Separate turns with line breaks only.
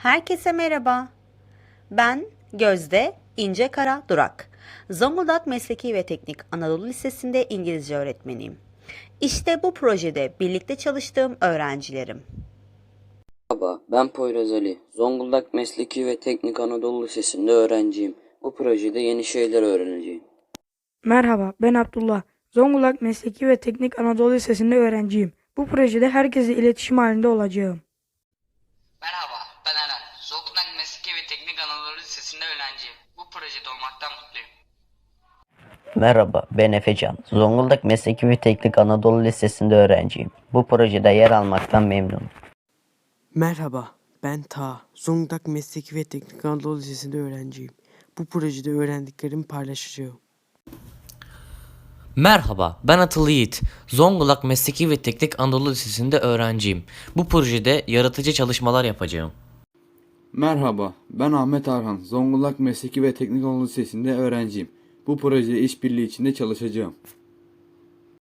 Herkese merhaba. Ben Gözde İncekara Durak. Zonguldak Mesleki ve Teknik Anadolu Lisesi'nde İngilizce öğretmeniyim. İşte bu projede birlikte çalıştığım öğrencilerim.
Merhaba, ben Poyraz Ali. Zonguldak Mesleki ve Teknik Anadolu Lisesi'nde öğrenciyim. Bu projede yeni şeyler öğreneceğim.
Merhaba, ben Abdullah. Zonguldak Mesleki ve Teknik Anadolu Lisesi'nde öğrenciyim. Bu projede herkesle iletişim halinde olacağım.
Merhaba, ben Eren. Zonguldak Mesleki ve Teknik Anadolu Lisesi'nde öğrenciyim. Bu projede olmaktan mutluyum.
Merhaba, ben Efecan. Zonguldak Mesleki ve Teknik Anadolu Lisesi'nde öğrenciyim. Bu projede yer almaktan memnunum.
Merhaba, ben Ta. Zonguldak Mesleki ve Teknik Anadolu Lisesi'nde öğrenciyim. Bu projede öğrendiklerimi paylaşacağım.
Merhaba, ben Atıl Yiğit. Zonguldak Mesleki ve Teknik Anadolu Lisesi'nde öğrenciyim. Bu projede yaratıcı çalışmalar yapacağım.
Merhaba, ben Ahmet Arhan. Zonguldak Mesleki ve Teknik Anadolu Lisesi'nde öğrenciyim. Bu projede işbirliği içinde çalışacağım.